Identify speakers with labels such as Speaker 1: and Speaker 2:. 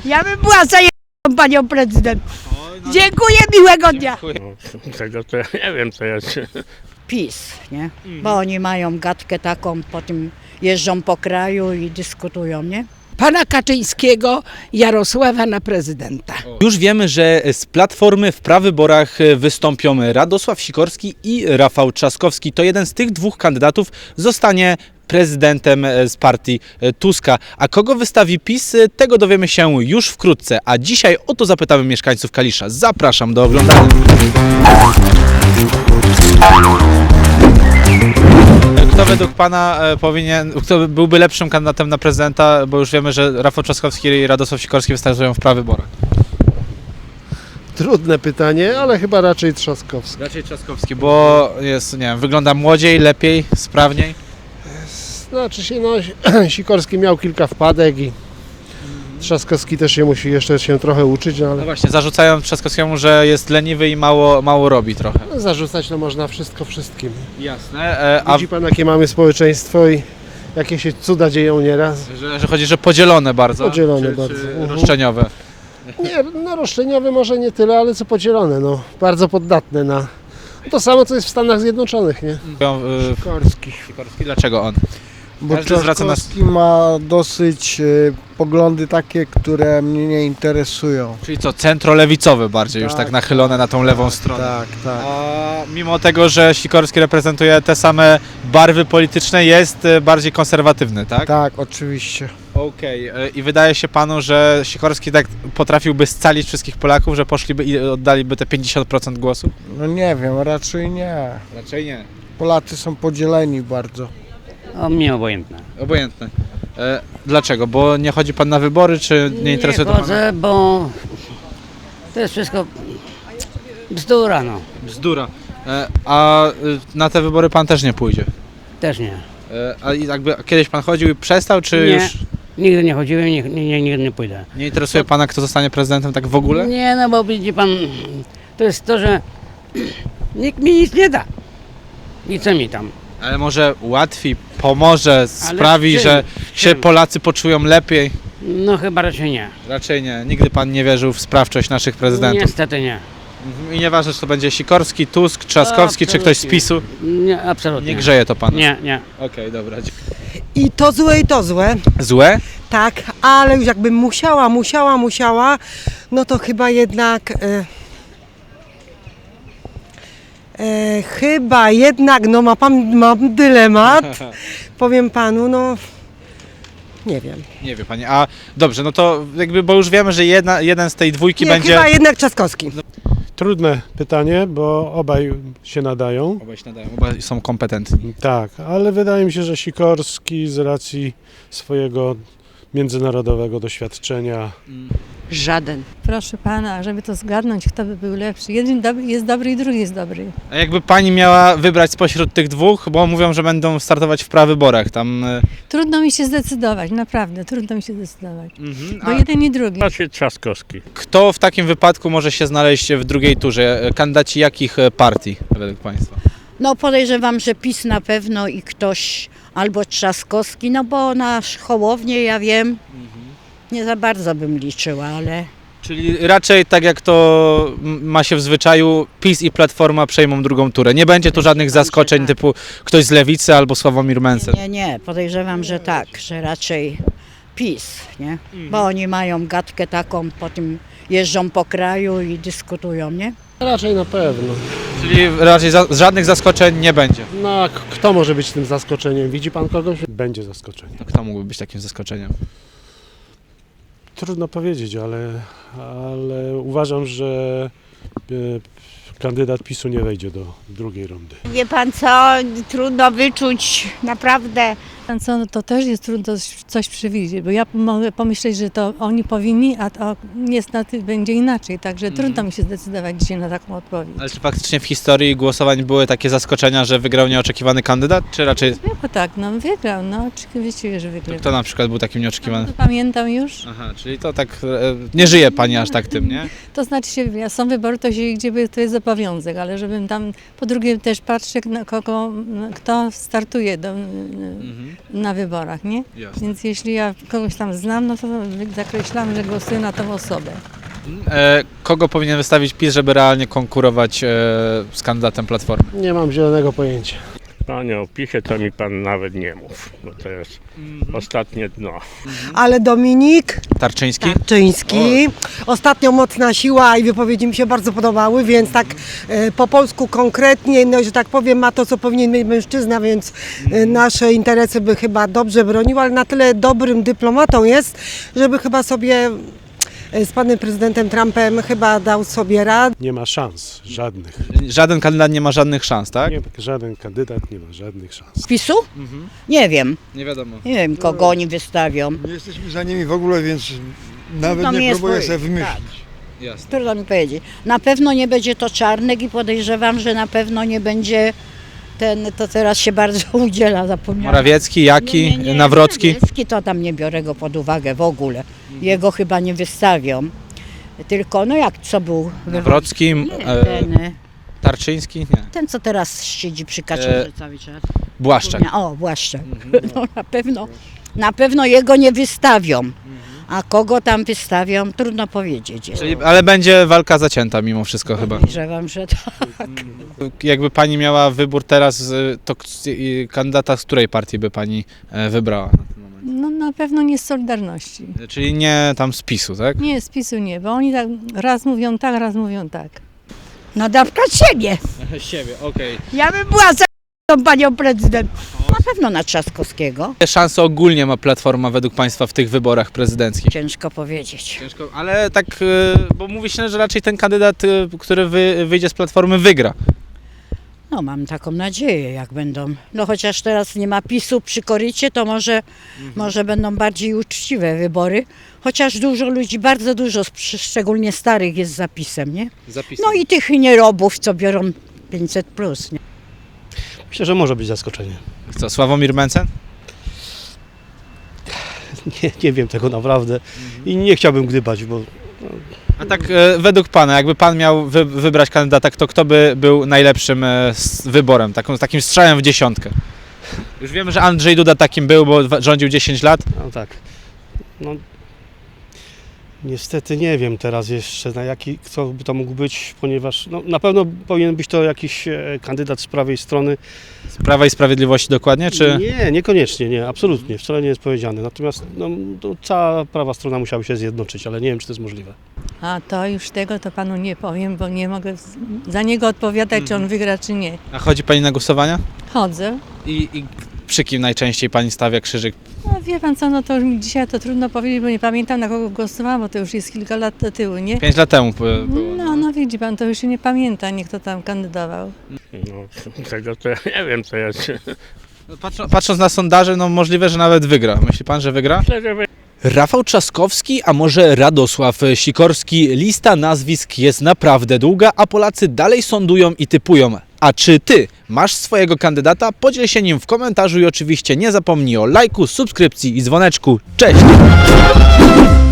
Speaker 1: Ja bym była za panią prezydent. Dziękuję, miłego dnia.
Speaker 2: Tego to ja nie wiem, co jest.
Speaker 1: PiS, nie? Bo oni mają gadkę taką, potem jeżdżą po kraju i dyskutują, nie?
Speaker 3: Pana Kaczyńskiego, Jarosława na prezydenta.
Speaker 4: Już wiemy, że z Platformy w prawyborach wystąpią Radosław Sikorski i Rafał Trzaskowski. To jeden z tych dwóch kandydatów zostanie prezydentem z partii Tuska. A kogo wystawi PiS, tego dowiemy się już wkrótce. A dzisiaj o to zapytamy mieszkańców Kalisza. Zapraszam do oglądania. Kto według Pana kto byłby lepszym kandydatem na prezydenta, bo już wiemy, że Rafał Trzaskowski i Radosław Sikorski wystartują w prawyborach.
Speaker 5: Trudne pytanie, ale chyba raczej Trzaskowski.
Speaker 4: Raczej Trzaskowski, bo jest, nie wiem, wygląda młodziej, lepiej, sprawniej.
Speaker 5: Znaczy się, no, Sikorski miał kilka wpadek i Trzaskowski też się musi jeszcze się trochę uczyć, no,
Speaker 4: No
Speaker 5: ale
Speaker 4: właśnie, zarzucają Trzaskowskiemu, że jest leniwy i mało robi trochę.
Speaker 5: zarzucać to można wszystko wszystkim.
Speaker 4: Jasne.
Speaker 5: Widzi pan, jakie mamy społeczeństwo i jakie się cuda dzieją nieraz.
Speaker 4: Że chodzi, że podzielone bardzo.
Speaker 5: Podzielone
Speaker 4: czy
Speaker 5: bardzo.
Speaker 4: roszczeniowe.
Speaker 5: Nie, no roszczeniowe może nie tyle, ale co podzielone, no. Bardzo poddatne na to samo, co jest w Stanach Zjednoczonych, nie?
Speaker 6: Sikorski.
Speaker 4: Sikorski, dlaczego on?
Speaker 6: Bo
Speaker 4: Każdy zwraca nas-
Speaker 6: Trzaskowski ma dosyć poglądy takie, które mnie nie interesują.
Speaker 4: Czyli co, centrolewicowy bardziej, już tak nachylone na tą lewą stronę.
Speaker 6: Tak, tak.
Speaker 4: A mimo tego, że Sikorski reprezentuje te same barwy polityczne, jest bardziej konserwatywny, tak?
Speaker 6: Tak, oczywiście.
Speaker 4: Okej. I wydaje się Panu, że Sikorski tak potrafiłby scalić wszystkich Polaków, że poszliby i oddaliby te 50% głosu?
Speaker 6: No nie wiem, raczej nie.
Speaker 4: Raczej nie.
Speaker 6: Polacy są podzieleni bardzo.
Speaker 7: O, mnie obojętne.
Speaker 4: Obojętne. Dlaczego? Bo nie chodzi Pan na wybory, czy nie interesuje to Pana?
Speaker 7: chodzę, bo to jest wszystko bzdura, no.
Speaker 4: Bzdura. A na te wybory Pan też nie pójdzie?
Speaker 7: Też nie.
Speaker 4: A jakby kiedyś Pan chodził i przestał, czy
Speaker 7: Nie.
Speaker 4: już
Speaker 7: Nigdy nie chodziłem, nigdy nie pójdę.
Speaker 4: nie interesuje Pana, kto zostanie prezydentem tak w ogóle?
Speaker 7: Nie, no bo widzi pan, to jest to, że nikt mi nic nie da. I co mi tam?
Speaker 4: Ale może ułatwi, pomoże, sprawi,
Speaker 7: czym?
Speaker 4: że się
Speaker 7: Czym?
Speaker 4: Polacy poczują lepiej?
Speaker 7: No chyba raczej nie.
Speaker 4: Raczej nie. Nigdy Pan nie wierzył w sprawczość naszych prezydentów.
Speaker 7: Niestety nie.
Speaker 4: I nieważne, czy to będzie Sikorski, Tusk, Trzaskowski, czy ktoś z
Speaker 7: Absolutnie.
Speaker 4: PiS-u.
Speaker 7: Nie, absolutnie.
Speaker 4: Nie grzeje to Pana.
Speaker 7: Nie, nie.
Speaker 4: Okej, dobra.
Speaker 8: I to złe,
Speaker 4: Złe?
Speaker 8: tak, ale już jakbym musiała, no to chyba jednak, no mam dylemat, powiem panu, no nie wiem.
Speaker 4: Nie wie Pani. A dobrze, no to jakby, bo już wiemy, że jeden z tej dwójki
Speaker 8: Nie,
Speaker 4: będzie...
Speaker 8: chyba jednak Trzaskowski.
Speaker 5: Trudne pytanie, bo obaj się nadają.
Speaker 4: Obaj się nadają, obaj są kompetentni.
Speaker 5: Tak, ale wydaje mi się, że Sikorski z racji swojego międzynarodowego doświadczenia
Speaker 9: Żaden.
Speaker 10: Proszę pana, żeby to zgadnąć, kto by był lepszy. Jeden jest dobry i drugi jest dobry.
Speaker 4: A jakby Pani miała wybrać spośród tych dwóch, bo mówią, że będą startować w prawyborach, tam...
Speaker 10: Trudno mi się zdecydować, naprawdę, trudno mi się zdecydować. Bo
Speaker 4: A
Speaker 10: jeden i drugi.
Speaker 2: Raczej Trzaskowski.
Speaker 4: kto w takim wypadku może się znaleźć w drugiej turze? Kandydaci jakich partii, według Państwa?
Speaker 1: No podejrzewam, że PiS na pewno i ktoś, albo Trzaskowski, no bo nasz Hołownię, ja wiem, nie za bardzo bym liczyła, ale...
Speaker 4: Czyli raczej tak jak to ma się w zwyczaju, PiS i Platforma przejmą drugą turę. Nie będzie tu żadnych zaskoczeń
Speaker 1: tak.
Speaker 4: typu ktoś z Lewicy albo Sławomir Mencen.
Speaker 1: Nie, podejrzewam, że tak, że raczej PiS, nie? Bo oni mają gadkę taką, potem jeżdżą po kraju i dyskutują, nie?
Speaker 5: raczej na pewno.
Speaker 4: Czyli raczej żadnych zaskoczeń nie będzie.
Speaker 5: No a kto może być tym zaskoczeniem? Widzi pan kogoś? Będzie zaskoczenie.
Speaker 4: To kto mógłby być takim zaskoczeniem?
Speaker 5: Trudno powiedzieć, ale uważam, że kandydat PiS-u nie wejdzie do drugiej rundy.
Speaker 9: Wie pan co, trudno wyczuć, naprawdę.
Speaker 10: Pan co, no to też jest trudno coś przewidzieć, bo ja mogę pomyśleć, że to oni powinni, a to niestety będzie inaczej, także trudno mi się zdecydować dzisiaj na taką odpowiedź.
Speaker 4: Ale czy faktycznie w historii głosowań były takie zaskoczenia, że wygrał nieoczekiwany kandydat, czy raczej
Speaker 10: Bo tak, no wygrał, no oczywiście, że wygrał.
Speaker 4: kto na przykład był takim nieoczekiwanym?
Speaker 10: To pamiętam już.
Speaker 4: Aha, czyli to tak, nie żyje Pani aż tak tym, nie?
Speaker 10: To znaczy się, są wybory, to się idzie, bo to jest obowiązek, ale żebym tam, po drugie też patrzę, kto startuje na wyborach, nie?
Speaker 4: Jasne.
Speaker 10: Więc jeśli ja kogoś tam znam, no to zakreślam, że głosuję na tą osobę.
Speaker 4: Kogo powinien wystawić PiS, żeby realnie konkurować z kandydatem Platformy?
Speaker 5: Nie mam zielonego pojęcia.
Speaker 2: Panie, o PiSie to mi pan nawet nie mów, bo to jest ostatnie dno.
Speaker 8: Ale Dominik
Speaker 4: Tarczyński?
Speaker 8: Tarczyński, ostatnio mocna siła i wypowiedzi mi się bardzo podobały, więc tak po polsku konkretnie, no, że tak powiem, ma to, co powinien mieć mężczyzna, więc nasze interesy by chyba dobrze bronił, ale na tyle dobrym dyplomatą jest, żeby chyba sobie z panem prezydentem Trumpem chyba dał sobie radę.
Speaker 5: Nie ma szans, żadnych.
Speaker 4: Żaden kandydat nie ma żadnych szans, tak?
Speaker 5: Nie, żaden kandydat nie ma żadnych szans.
Speaker 1: PiS-u? Nie wiem.
Speaker 4: Nie wiadomo.
Speaker 1: Nie wiem, kogo oni wystawią.
Speaker 6: Nie jesteśmy za nimi w ogóle, więc nawet
Speaker 1: Trudno mi
Speaker 6: nie
Speaker 1: jest
Speaker 6: próbuję
Speaker 1: powiedzieć,
Speaker 6: sobie wymyślić.
Speaker 4: Jasne.
Speaker 1: Trudno mi powiedzieć. Na pewno nie będzie to Czarnek i podejrzewam, że na pewno nie będzie ten, to teraz się bardzo udziela, zapomniałam.
Speaker 4: Morawiecki, Jaki, Nawrocki?
Speaker 1: Morawiecki to tam nie biorę go pod uwagę w ogóle. Jego chyba nie wystawią. Tylko, no jak, co był?
Speaker 4: Nawrocki, Tarczyński? Nie.
Speaker 1: Ten, co teraz siedzi przy Kaczorze cały czas.
Speaker 4: Błaszczak.
Speaker 1: O, Błaszczak. No, na pewno jego nie wystawią. A kogo tam wystawią, trudno powiedzieć.
Speaker 4: Ale będzie walka zacięta mimo wszystko chyba.
Speaker 1: Podejrzewam, że tak.
Speaker 4: Jakby pani miała wybór teraz, to kandydata z której partii by pani wybrała?
Speaker 10: No na pewno nie z Solidarności.
Speaker 4: Czyli nie tam z PiS-u, tak?
Speaker 10: Nie, z PiS-u nie, bo oni tak raz mówią tak, raz mówią tak.
Speaker 9: No na przykład siebie.
Speaker 4: Siebie, okej.
Speaker 9: Ja bym była za tą panią prezydent.
Speaker 1: Na pewno na Trzaskowskiego.
Speaker 4: Jakie szanse ogólnie ma Platforma według państwa w tych wyborach prezydenckich?
Speaker 1: Ciężko powiedzieć.
Speaker 4: Ciężko, ale tak, bo mówi się, że raczej ten kandydat, który wyjdzie z Platformy, wygra.
Speaker 1: No mam taką nadzieję, jak będą. No chociaż teraz nie ma PiS-u przy korycie, to może będą bardziej uczciwe wybory. Chociaż dużo ludzi, bardzo dużo, szczególnie starych jest za PiS-em, nie? No i tych nierobów, co biorą 500+, nie?
Speaker 5: Myślę, że może być zaskoczenie.
Speaker 4: Co, Sławomir Mencen?
Speaker 5: Nie wiem tego naprawdę i nie chciałbym gdybać, bo
Speaker 4: A tak według pana, jakby pan miał wybrać kandydata, to kto by był najlepszym wyborem, takim strzałem w dziesiątkę? Już wiemy, że Andrzej Duda takim był, bo rządził 10 lat.
Speaker 5: no tak. No, niestety nie wiem teraz jeszcze, kto by to mógł być, ponieważ no, na pewno powinien być to jakiś kandydat z prawej strony.
Speaker 4: Z Prawa i Sprawiedliwości dokładnie, czy?
Speaker 5: Nie, niekoniecznie, nie, absolutnie, wcale nie jest powiedziane. Natomiast no, to cała prawa strona musiałaby się zjednoczyć, ale nie wiem, czy to jest możliwe.
Speaker 10: A to już tego to panu nie powiem, bo nie mogę za niego odpowiadać, czy on wygra, czy nie.
Speaker 4: A chodzi pani na głosowania?
Speaker 10: Chodzę.
Speaker 4: I przy kim najczęściej pani stawia krzyżyk?
Speaker 10: No wie pan co, no to już mi dzisiaj to trudno powiedzieć, bo nie pamiętam, na kogo głosowałam, bo to już jest kilka lat do tyłu, nie?
Speaker 4: 5 lat temu było.
Speaker 10: No widzi pan, to już się nie pamięta, nie kto tam kandydował.
Speaker 2: No, tego to ja nie wiem, co ja się...
Speaker 4: Patrząc na sondaże, no możliwe, że nawet wygra. Myśli pan, że wygra?
Speaker 2: Myślę, że
Speaker 4: Rafał Trzaskowski, a może Radosław Sikorski? Lista nazwisk jest naprawdę długa, a Polacy dalej sądują i typują. A czy ty masz swojego kandydata? Podziel się nim w komentarzu i oczywiście nie zapomnij o lajku, subskrypcji i dzwoneczku. Cześć!